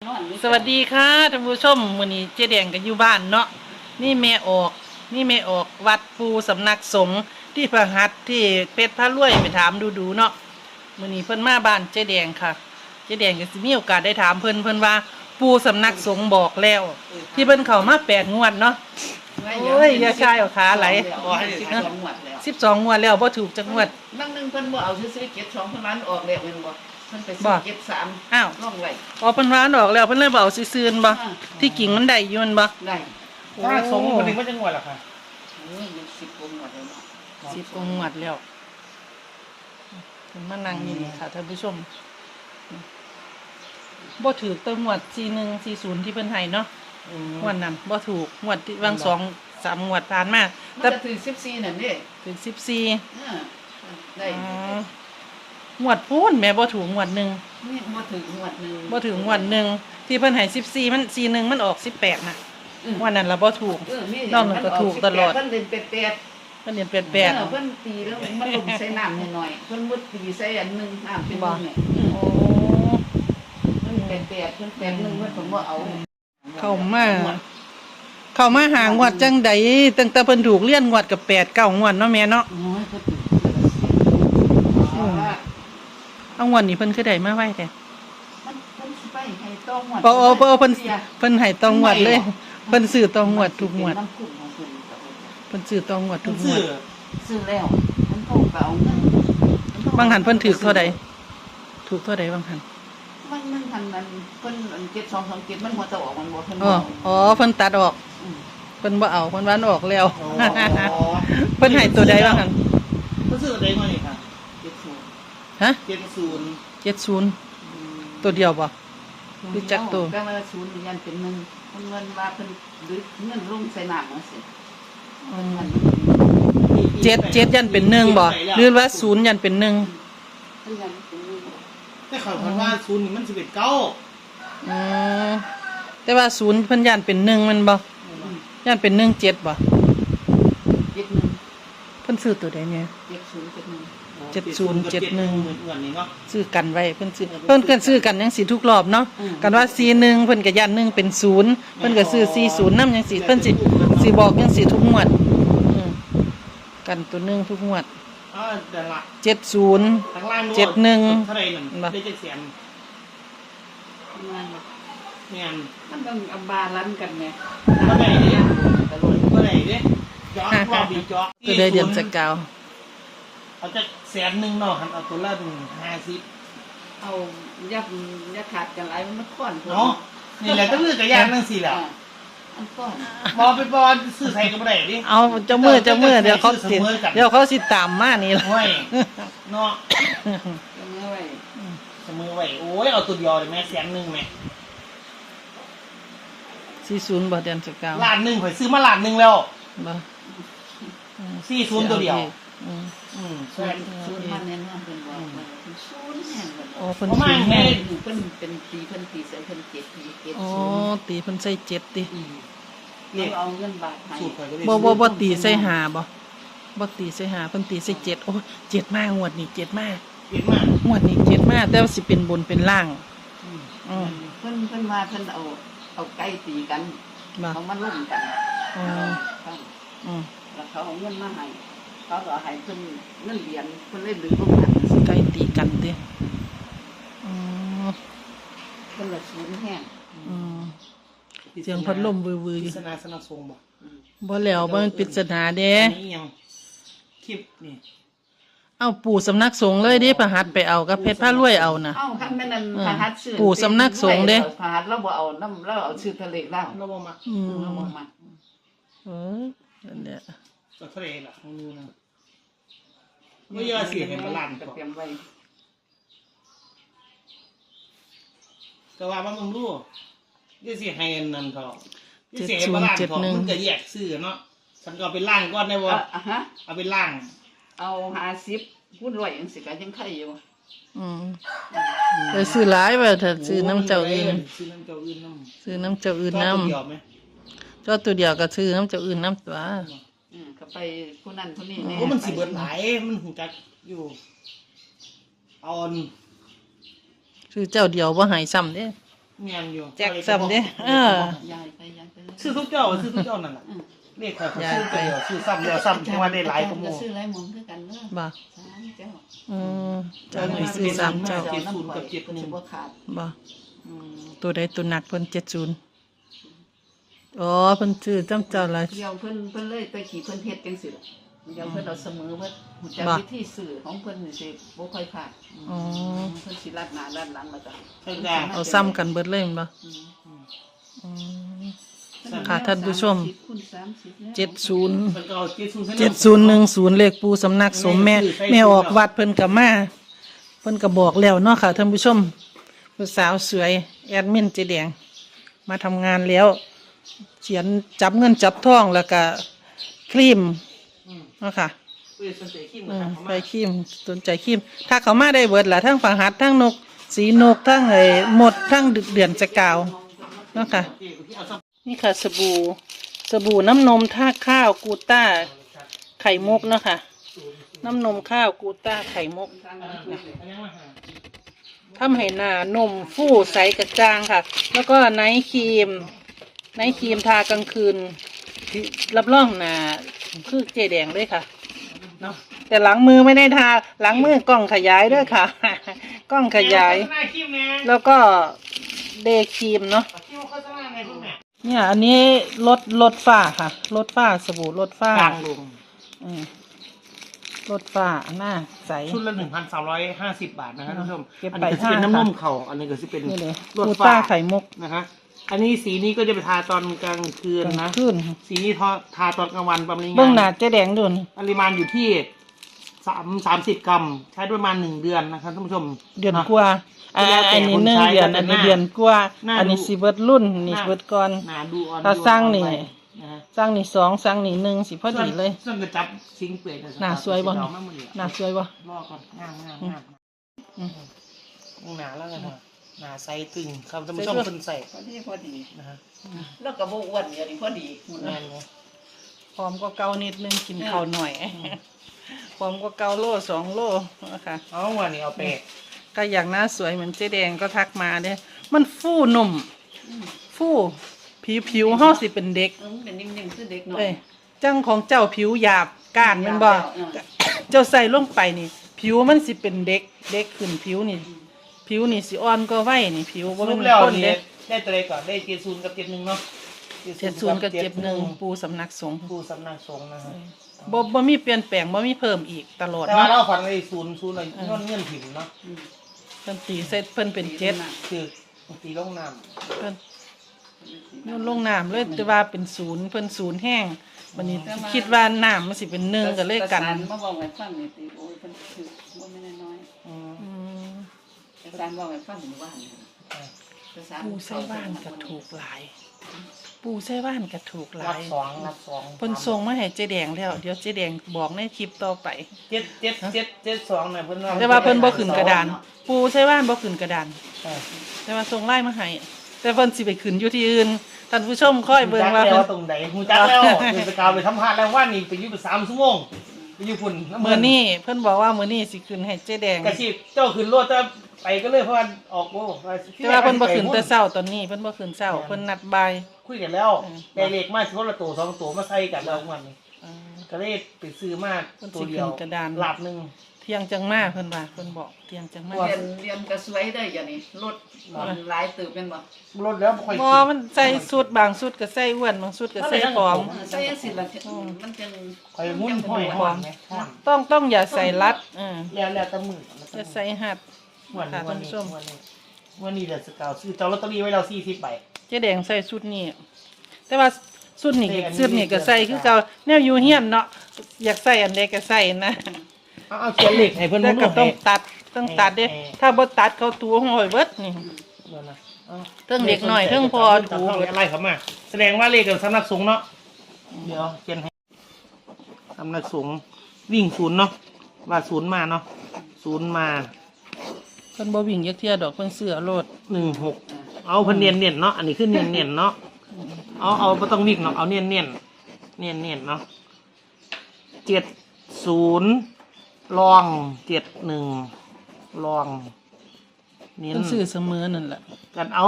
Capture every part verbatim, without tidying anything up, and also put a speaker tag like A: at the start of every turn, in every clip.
A: สวัสดีค่ะท่านผู้ชมมื้อนี้เจ๊แดงก็อยู่บ้านเนาะนี่แม่ออกนี่แม่ออกวัดปูสำนักสงฆ์ที่พระหัตถ์ที่เพชรพระรวยไปถามดูๆเนาะมื้อนี้เพิ่นมาบ้านเจ๊แดงค่ะเจ๊แดงก็สิมีโอกาสได้ถามเพิ่นเพิ่นว่าปูสำนักสงฆ์บอกแล้วที่เพิ่นเข้ามาแปดงวดเนาะโอ้ยอย่าชายเอาขาไหลสิบสองงวดแล้วบ่ถูกจักงวด
B: บางนึงเพิ่นบ่เอาซื้อๆเก็บสองเพิ่นร้านออกแล้วแม่นบ่เพิ่นไปซื้อเก็บสาม
A: อ้าว
B: ล่องไว้
A: อ๋อเพิ่นว่าออกแล้วเพิ่นเลยบ่เอาซื่อๆบ่ที่กิ่งมันได้อยู่มันบ่
B: ได้
C: ถ้าสงคนหนึ่งว่าจะงวดหรอคะ
B: โอ้ยมันสิบกว่าหมดแล้วเนาะ
A: สิบกว่าหมดแล้วเพิ่นมานั่งอยู่นี่ค่ะท่านผู้ชมบ่ถูกแต่งวดสี่หนึ่งสี่ศูนย์ที่เพิ่นให้เนาะงวดนั้นบ่ถูกงวดที่วางสองสามงวดผ่านมา
B: แต่ถึงสิบสี่นั่นเด้
A: ถึงสิบสี่
B: เออได้
A: งวดพูนแม่บ่ถูกงวดหนึ่ง
B: นี่บ่ถึงงวดนึง
A: บ่ถึงงวดหนึ่งที่เพิ่นให้สิบสี่มันสี่หนึ่งมันออกสิบแปดน่ะงวดนั้นล่ะบ่ถูกนอกนั้นก็ถูกตลอด
B: เพิ่นเล่นแปด
A: เพิ่นเรียนแปดแปด
B: เพิ่นตีแล้วมันลงใส่น้ำหน่อยๆเพิ่นมุดตีใส่อันนึงน้ำเป็นนึงเนี่ย
A: โอ้
B: เพิ่นแปดแปดเพิ่นแปดนึงเพิ่นผมบ่เอา
A: เข้ามาเข้ามาหางวดจังใดตั้งแต่เพิ่นถูกเลี้ยนงวดกับแปดเก้างวดเนาะแม่เนาะเอางวดนี้เพิ่นคือได้มาไว้แต่
B: มันเพิ่นสิไปให้ต้องงวด
A: บ่เอาบ่เอาเพิ่นเพิ่นให้ต้องงวดเลยเพิ่นซื้อต้องงวดทุกงวดเพิ่นซื้อต้องงวดทุกงวด
B: ซื้อแล้วมันโทรไปเอาเงิน
A: บางหันเพิ่นถูกเท่าใดถูกเท่าใดบางหัน
B: มันมันทันมันเพิ่นอันเก็บสองสองเก็บมันหัวจะออกมันบ่เพิ่น
A: อ๋ออ๋อเพิ่นตัดออกเพิ่นบ่เอาเพิ่นว่าออกแล้วเพิ่นให้ตัวใดบางหัน
C: เพิ่นซื้อตัวใดมานี่ค่ะ
A: ฮะ
C: เจ็ดศูนย์
A: เจ็ดศูนย์ตัวเดียวบ่รู้จักตัว
B: ก็ว่าศูนย์ยันเป็นหนึ่งเพิ่นเงินว่าเพิ่นดึกเงินลงใส่น้ำจังซี่
A: เจ็ดเจ็ดยันเป็นหนึ่งบ่หรือว่าศูนย์ยันเป็นหนึ่ง
B: เพิ่นยันเป็นหนึ่ง
C: แต่เขาคิดว่าศูนย์นี่มันสิบเอ็ดเก้า
A: อือแต่ว่าศูนย์เพิ่นยันเป็นหนึ่งมันบ่ยันเป็นหนึ่งเจ็ดบ่
B: เจ็ดหนึ่ง
A: เพิ่นซื้อตัวใดเนี่ย
B: เจ็ดศูนย์เจ็ดหนึ่ง
A: เจ็ดศูนย์เจ็ดหนึ่งซื้อกันไว้เพิ่นซื้อเพิ่นก็ซื้อกันจังซี่ทุกรอบเนาะกันว่าสี่หนึ่งเพิ่นก็ยันหนึ่งเป็นศูนย์เพิ่นก็ซื้อสี่ศูนย์นำจังซี่เพิ่นสิสิบอกจังซี่ทุกงวดกันตัวหนึ่งทุกงวด
C: อ๋อเดี๋ยวละ
A: เจ็ดศูนย์เจ็ดหนึ่ง
C: เท่าไหร่นั่นได้เจ็ดแสน
B: งานมันต้องอับบาลันกันไง
C: เท่าไหร่เนี่ยเท่าไหร่เนี่ยย้อนความดีจ๊อก
A: ก็ได้เดือนจะเก่า
C: เอาจะแสนหนึ่งเนาะเอาตัวละหนึ่งห้าสิบ
B: เอายับยับขาดกันไรมันค่อน
C: เนาะนี่แหละต้องเลือกกับยางนั่งสี่แหละ
B: อันก้อน
C: บอลไปบอลซื้อใส่กับอะไรดิ
A: เอาเจ้ามือเจ้ามือเดี๋ยวเขาสิเดี๋ยวเขาสิตามมานี่ละ
C: เนาะ
B: เจ้ามือไว้
C: เจ้ามือไว้โอ้ยเอาตัวเดียวเลยแม่แสนหนึ่งแม่
A: สี่ศูนย์บ่เดือนจะเก่า
C: ล้านหนึ่งข่อยซื้อมาล้านหนึ่งแล้ว
A: บ่
C: สี่ศูนย์ตัวเดียว
B: อืมอืมใช่ศูนย์มันแน่นอนเป็นว่าศูนย์แห่งแบบ
A: โอ้เพิ่นศูนย์แห่ง
B: เพิ่นเป็นตีเพิ่นตีใส่เพิ่นเจ็ดตีเจ็ด
A: อ๋อตีเพิ่นใส่เจ็ดติ
B: เนี่ยเอาเงินบาทให้
A: บ่บ่บ่ตีใส่ห้าบ่บ่ตีใส่ห้าเพิ่นตีใส่เจ็ดโอ้เจ็ดมากงวดนี้เจ็ดมาก
C: เจ็ดมาก
A: งวดนี้เจ็ดมากแต่ว่าสิเป็นบนเป็นล่าง
B: อืมเพิ่นเพิ่นมาเพิ่นเอาเอาไก่ตีกันเขามาลุ่มกัน
A: อ๋อ
B: อืมแล้วเขาเอาเงินมาให้เขาก็ให้เพิ่นเงินเหรียญเพิ่นเล่นหรือพวกนั้น
A: ไก่ตีกันติอือ
B: เพิ่นละศูนย์แห้ง
A: อือเสียงพัดลมวือๆอยู่
C: ปริศนาสนับสนุนบ่
A: บ่แล้วบ่มันปริศนาเด้
C: นี่ยังคลิปนี่
A: เอาปู่สำนักสงฆ์เลยดิพระหัตถ์ไปเอากับเพชรพระรวยเอาน่ะ
B: เอ้าคันแม่นพระหัตถ์ชื่อ
A: ปู่สำนักสงฆ์เด้
B: พระหัตถ์เราบ่เอานำเราเอาชื่อทะเลลาว
C: เราบ่มัก
A: อืม
B: เราบ่มัก
A: เออนั่นแหละ
C: ก็ทะเลล่ะของนูนะบ่ยอเสียให้บาลานซ์ก็
B: เตรียมไว้
C: ก็ว่ามันมึงรู้อย่าสิให้นั่นเถาะอย่าสิให้บาลานซ์เถาะมันก็แยกซื้อเนาะฉันก็ไปล้างก่อนได้บ่
B: อ่ะฮะ
C: เอาไปล้าง
B: เอาห้าสิบคูณร้อยจังซี่ก็ยังไข่อยู่
A: อืมไปซื้อหลายว่าถ้าซื้อน้ำเจ้าอื่น
C: ซื้อน้ำเจ้าอื่นนำ
A: ซื้อน้ำเจ้าอื่นนำเจ้าตัวเดียวก็ซื้อน้ำเจ้าอื่นนำตัว
B: อืมก็ไปผู้นั้นผู้นี้แน่
C: โอ้มันสิเบิดหลายมันหูจักอยู่อ่อน
A: ซื้อเจ้าเดียวบ่หายซ้ำเด้
C: เงียนอยู่
A: แจ็คซ้ำเด้เออ
B: ยายไปยายไปเลย
C: ซื้อทุกเจ้าซื้อทุกเจ้านั่นแหละเลขเขาซื้อไปเดียวซื้อซ้ำเดียวซ้ำจังว่าได้หลายกว่าหมู่
B: ซื้อหลายหมองคือกันเด้อ
A: บ่
B: สามเจ้า
A: อืมเจ้าหน่อยซื้อสามเจ้า
C: เจ็ดศูนย์กับเจ็ดหนึ่ง
B: บ่ขาด
A: บ่
B: อืม
A: ตัวใดตัวหนักเพิ่นเจ็ดศูนย์อ๋อเพิ่นซื้อจำเจ้าละ
B: เดี๋ยวเพิ่นเพิ่นเลยไปขี่เพิ่นเฮ็ดจังซี่ล่ะเดี๋ยวเพิ่นเอาเสมอเพิ่นรู้จัก
A: บ่
B: วิธีสื่อของเพิ่นนี่สิบ่ค่อยขาด
A: อ๋อ
B: เพิ่นสิลัดหน้าลัดหลังแล้วก็
C: ใช่จ้ะ
A: เอาซ้ำกันเบิดเลยแม่นบ่
B: อืม
A: อืม ค่ะท่านผู้ชม
B: คูณสามสิบแล้ว
A: เจ็ดศูนย์
C: มันก็เอาเจ็ดศูนย์
A: เจ็ดศูนย์หนึ่งศูนย์เลขปูสำนักสมแม่แม่ออกวัดเพิ่นก็มาเพิ่นก็บอกแล้วเนาะค่ะท่านผู้ชมผู้สาวสวยแอดมินเจแดงมาทำงานแล้วเขียนจับเงินจับทองแล้วก็ครีมเนาะค่ะ
C: เว้ยสนใจขี้
A: อื
C: มัน
A: ม
C: ทำ
A: ไป
C: มา
A: ครีมสนใจครีม ถ้าเขามาได้เบิดล่ะทั้งฝังหัดทั้งนก สีนกทั้งไอ้หมดทั้งดึกเดือนจะกาวเนาะค่ะ นี่ค่ะสบู่สบู่น้ำนมท่าข้าวกูต้าไข่มุกเนาะค่ะ น้ำนมข้าวกูต้าไข่มุกทำให้หน้านมฟูใสกระจ่างค่ะ แล้วก็ไนท์ครีม ไนท์ครีมทากลางคืน รับรองหน้าคือเจแดงด้วยค่ะเนาะแต่หลังมือไม่ได้ทาหลังมือกล้องขยายด้วยค่ะ กล้องขยาย แล้วก็เดย์ครีมเนาะ เนี่ยอันนี้ลดลดฝ้าค่ะลดฝ้าสบู่ลดฝ้า
C: กลางลง
A: อืมลดฝ้าหน้าใส
C: ชุดละหนึ่งพันสามร้อยห้าสิบบาทนะครับท่านผู้ชม
A: เก็บ
C: อัน
A: ไป
C: นี้ก็จะเป็น
A: ห้า
C: น้ำนมเข่าอันนี้ก็จะเป็น
A: นี่เลย
C: ลวด
A: กู
C: ฟ้า
A: ต้าไข่มุก
C: นะฮะอันนี้สีนี้ก็จะไปทาตอนกลางคืนนะ
A: ขึ้น
C: สีนี้ทาทาตอนกลางวันประมาณ
A: เบื้องหน้าเจ๊แดงดุน
C: ปริมาณอยู่ที่สามสามสิบกรัม ใช้ประมาณหนึ่งเดือนนะครับท่านผู้ชม
A: เดือน
C: ะ
A: กว่าอ่า
C: แล้วแต่
A: อันนี้
C: คน
A: หนึ่ง
C: ใช้
A: เดือน
C: แล้วแต่
A: อันนี้
C: หน้า
A: เดือนกว่า
C: หน้า
A: อันนี้
C: ดู
A: สิเบิดรุ่นนี่
C: หน้า
A: เบิดก่อน
C: หนาดูอ่อน
A: ถ้าสร้างนี่
C: ดูอ่อไปนะฮะ
A: สร้างนี่สองสร้างนี่หนึ่งสิพอดีเลย
C: ส่วนกระจับชิงเปลือย
A: หน้าสวยบ่
C: เอามาหมดเลย
A: หน้าสวยบ่
C: รอก่อนงามงามงาม
A: อืม
C: หนาแล้วกันฮะหนาใสตึงครับท่านผู้ชม
A: ใส่ด้วย
C: คนใส่
B: พอดีพอดี
C: นะฮะ
B: แล้วก็บ่อ้วนอย่างนี้พอดีหุ่น
C: แน่
B: นะ
C: นเลย
A: พร้อมก็เกานิดนึงกินข้าวหน่อยพร้อมก็เกาโลสองโลนะคะ
C: เอาวันนี้เอาไป
A: ก็อยากหน้าสวยเหมือนเจ๊แดงก็ทักมาเด้มันฟู่นุ่ม ฟู่ผิวผิวห่อสิเป็นเด็ก
B: เออมันเป็นนิ่มๆคือเด็กหน่อย
A: เอ้ยจังของเจ้าผิวหยาบก้านแมันบ่
B: เออ
A: เจ้าใส่ลงไปนี่ ผิวมันสิเป็นเด็ก เด็กขึ้นผิวนี่ ผิวนี่สิอ่อนก็ไว้นี่ ผิว
C: ส
A: บ่
C: รุ
A: เป็
C: ป
A: น
C: แล้ว
A: คน
C: นี่
A: เด้
C: ได้ตัวใดก่อนได้เจ็ดศูนย์กับเจ็ดหนึ่งเนาะ
A: เจ็ดศูนย์กับเจ็ดหนึ่งปูสำนักสงฆ์
C: ผู้สำนักสงฆ์นะฮะ
A: บ่บ่มีเปลี่ยนแปลงบ่มีเพิ่มอีกตลอด
C: แต่ว่า
A: เนาะ
C: เราฝันในศูนย์ศูนย์อะไรเงื่อนเงื่อนถิ่นเนาะ
B: อืม
A: เพิ่นตีเสร็จเพิ่นเป็นเจ็ด
C: คือตีลงน้
A: เพิ่นโยนลงน้ำเลยแต่ว่าเป็นศูนย์เพิ่นศูนย์แห้งวันนี้คิดว่าน้ำมันสิเป็นหนึ่งก็เลยกัน
B: ประสานมาบอกให้ฟังนี่ติโอ้ยเพิ่นคือบ่แม่นน้อย
C: ำอืม
A: อืม
B: ๆประสานบอกให้ฟังหมู่บ้านนี่ประสาน
A: ปูไส้บ้านก็ถูกหลาย ปูไส้บ้านก็ถูกห
C: รั
A: ลา
C: บ
A: ย
C: สองรับสอง
A: เพิ่นส่งมาให้เจ๊แดงแล้ว เดี๋ยวเจ๊แดงบอกในคลิปต่อไป
C: เจ็ดเจ็ดเจ็ดเจ็ดสองเนี่ยเพิ่น
A: แต่ว่าเพิ่นบ่ขึ้นกระดาน ปูไส้บ้านบ่ขึ้นกระดาน
C: ใช่
A: แต่ว่าส่งไล่มาให้แต่เพิ่นสิไปขึ้นอยู่ที่อื่นท่านผู้ชมค่อยเบิ่งว่า
C: หูจัก
A: เพิ่
C: แล้
A: น
C: วตรงไหนหูจักแล้วเดินสกาวไปทำพลาดแล้วว่านี่ไปอยู่ไปสามชั่วโมงไปอยู่พุ่นำ
A: มื้อนี้เพิ่นบอกว่ามื้อนี้สิขึ้นให้เจ๊แดง
C: กระชีพเจ้าขึ้นรถจะไปก็เลยเพราะว่าออกโอ้
A: แต่ว่าเพิ่นบ่ขึ้นแต่เช้าตอนนี้เพิ่นบ่ขึ้นเช้าเพิ่นนัดบ่าย
C: คุยกันแล้ว
A: อืม
C: ได้เลขมาสิคนละตัวสองตัวมาใส่กันแล้ววันนี้
A: อ่า
C: ก็เลยไปซื้อมา
A: เพิ่นสิ
C: ตัวเดียว
A: ขึ้นกระดาน
C: หลับหนึ่ง
A: เที่ยงจังมาเพิ่นว่าเพิ่นบอกเที่ยงจังมา
B: เรียนเรียนก็สวยได้อย่างนี้รถมันหลายตึกแม่นบ่
C: รถแล้วบ่ค่อย
A: บ่มันใส่สุดบางสุดก็ใส่อ้วนบางสุดก็ใส่ผอม
B: เออใส่จังซี่ล่ะมันจัง
C: ค่อยมุ่นห้อยห้อนไหมห้อน
A: ต้องต้องอย่าใส่รัดเออ
C: แล้วแล้วแต่มือ
A: อย่าใส่หัด
C: วัน
A: ค่ะ
C: นี้วั
A: ท่าน น
C: นี้
A: ผู้ชม
C: วันนี้วันนี้เดือดสกาวซื้อเจ้าลอตเตอรี่ไว้เราสี่สิบใบ
A: เจ๊แดงใส่สุดนี้แต่ว่าสุดนี้
C: แต่อันนี้
A: สุดนี้ก็ใส่คือเก่าแนวอยู่เฮียนเนาะอยากใส่อันใดก็ใส่นะ
C: เอาเอาเขียนเลขให้เพิ่น
A: แต่
C: มุ่น
A: ก็
C: ให้
A: ต้องตัดต้องตัดเด้
C: ให้
A: ถ้าบ่ตัดเขาตัวห้อยเบิดนี่
C: เดี๋ยวนะเอา
A: เทิงเด็กน้อยเทิงพอถู
C: ถูกอะไรเขามา แสดงว่าเลขกับสำนักสงฆ์เนาะเดี๋ยวเขียนให้สำนักสงฆ์วิ่งศูนย์เนาะว่าศูนย์มาเนาะศูนย์มา
A: เพิ่นบ่วิ่งยักเที่ยดอกเพิ่นเสื้อโลด
C: หนึ่งหกเอาเพิ่นเนียนเนียนๆเนาะอันนี้คือเนียนเนียนๆเนาะเอาเอาไม่ต้องวิ่งเนาะเอาเนียนเนียนเนียนเนียนๆเนาะเจ็ดศูนย์ลองเจ็ดหนึ่งลองเนียน
A: เพิ่นซื้อเสมอนั่นแหละ
C: กันเอา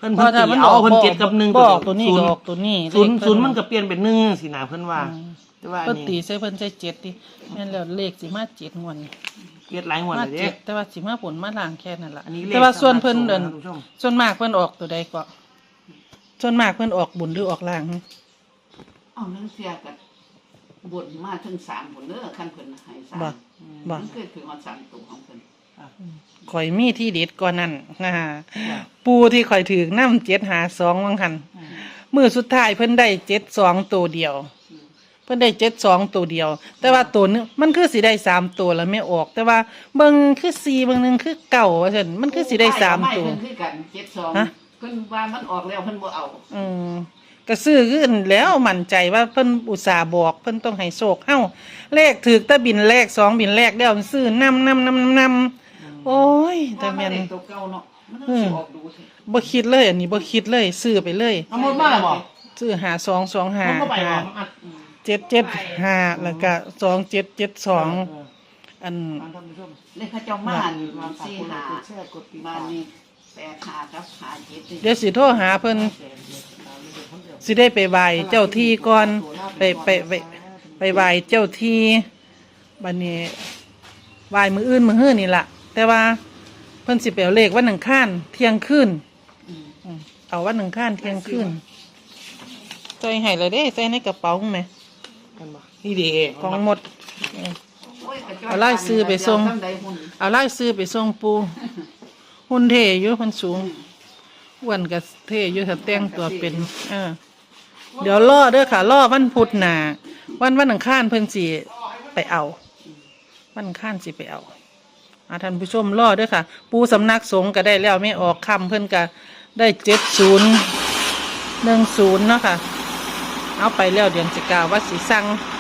C: เพิ่นเพิ่นตีเอาเพิ่นเจ็ดกับหนึ่ง
A: บอกตัวนี้
C: ศู
A: ก็
C: นย์
A: ออกตัวนี้
C: ศูนย์
A: เลข
C: ศูนย์
A: เพิ่
C: มันก็เปลี่ยนเป็นหนึ่งสินะเพิ่นว่า
A: อืม
C: แต่ว่า
A: เพิ่น
C: นี่
A: ตีใส่เพิ่นใส่เจ็ดดิแม่นแล้วเลขสิมาเจ็ดงวดนี่
C: เปลี่ยนหลายงวด
A: มา
C: เลยเด้
A: เจ็ดแต่ว่าสิมาผลมาล่างแค่นั้นล่ะ
C: อันนี้เลข
A: แต่ว่าส่วนเพิ่นเดิน
C: สำนักสงฆ์นะท่านผู้ชม
A: ส่วนมากเพิ่นออกตัวใดก็ส่วนมากเพิ่นออกบุญหรือออกล่าง
B: เอาเรื่องเสียกันบนมาถึงสามผลเด้อคันเพิ่นให้สาม
A: บ่บ่
B: มันเคยถึงเอาสามตัวของเพิ่น
A: ข่อยมีที่เด็ดกว่านั้นนะฮะปูที่ข่อยถือน้ำเจ็ดหาสองวังหันมือสุดท้ายเพิ่นได้เจ็ดสองตัวเดียว เพิ่นได้เจ็ดสองตัวเดียว แต่ว่าตัวนึงมันคือสิได้สามตัวแล้วไม่ออก แต่ว่าเบิ่งคือสี่เบิ่งหนึงคือเก่าว่าซั่นมันคือสิได้สามตัว
B: เพิ่นคือกันเจ็ดสอง
A: ฮะ
B: เพิ่นว่ามันออกแล้วเพิ่นบ่เอา
A: อืมก็ซื้อขึ้นแล้วมั่นใจว่าเพิ่นอุตส่าห์บอกเพิ่นต้องให้โชคเฮ้าเลขถือแต่บินแรกสองบินแรกแล้วมันซื้อนำนำนำนำโอ้ยแต่แม่น
B: ว่ามันได้ตัวเก่าเนาะมันต้องสิออกดูสิ
A: บ่คิดเลยอันนี้บ่คิดเลยซื้อไปเลย
C: เอาหมดมาแล้วบ่
A: ซื้อหาสองสองหา
C: มันก็ไปบ่
A: หา
C: มันอัด
A: เจ็ดเจ็ดห้าแล้วก็สองเจ็ดเจ็ดสอง
C: เออ
A: อัน
C: ฟังท่านผู้ชม
B: เลขเขาเจ้ามานี่
C: มาฝาก
B: สี่
C: กดไล
B: หา
C: ค์กดแชร์กดติด
B: มา
C: ตาม
B: นี่แปดหากับหาเจ็ดนี่
A: เดี๋ยวสิโทรหาเพิ่นสิได้ไปไหว้เจ้าที่ก่อนไปไปไปไปไหว้เจ้าที่บัดนี้ไหว้มื้ออื่นมื้อฮื้อนี่ล่ะ แต่ว่าเพิ่นสิไปเอาเลขวันอังคารเที่ยงคืน
B: อืม
A: อืมเอาวันอังคารเที่ยงคืนใส่ให้เลยเด้ใส่ในกระเป๋าแหม
C: กันบ่นี่เด้
A: ของหมด
B: โอ้ยกระจ้ย
A: เอาไล่ซื้อไปส่ง
B: เดี๋ยวทำใดหุ่น
A: เอาไล่ซื้อไปส่งปูหุ่นเทอยู่เพิ่นสูงอ้วนกับเทอยู่ถ้าแต่งตัวเป็นเออเดี๋ยวล่อเด้อค่ะล่อวันพุธหน้าวันวันอังคารเพิ่นสิไปเอา วันอังคารสิไปเอาอาท่านผู้ชมล่อเด้อค่ะ ปูสำนักสงฆ์ก็ได้แล้วไม่ออกคำเพิ่นก็ได้เจ็ดศูนย์หนึ่งศูนย์เนาะค่ะ เอาไปแล้วเดือนสิกาว่าสิสั่ง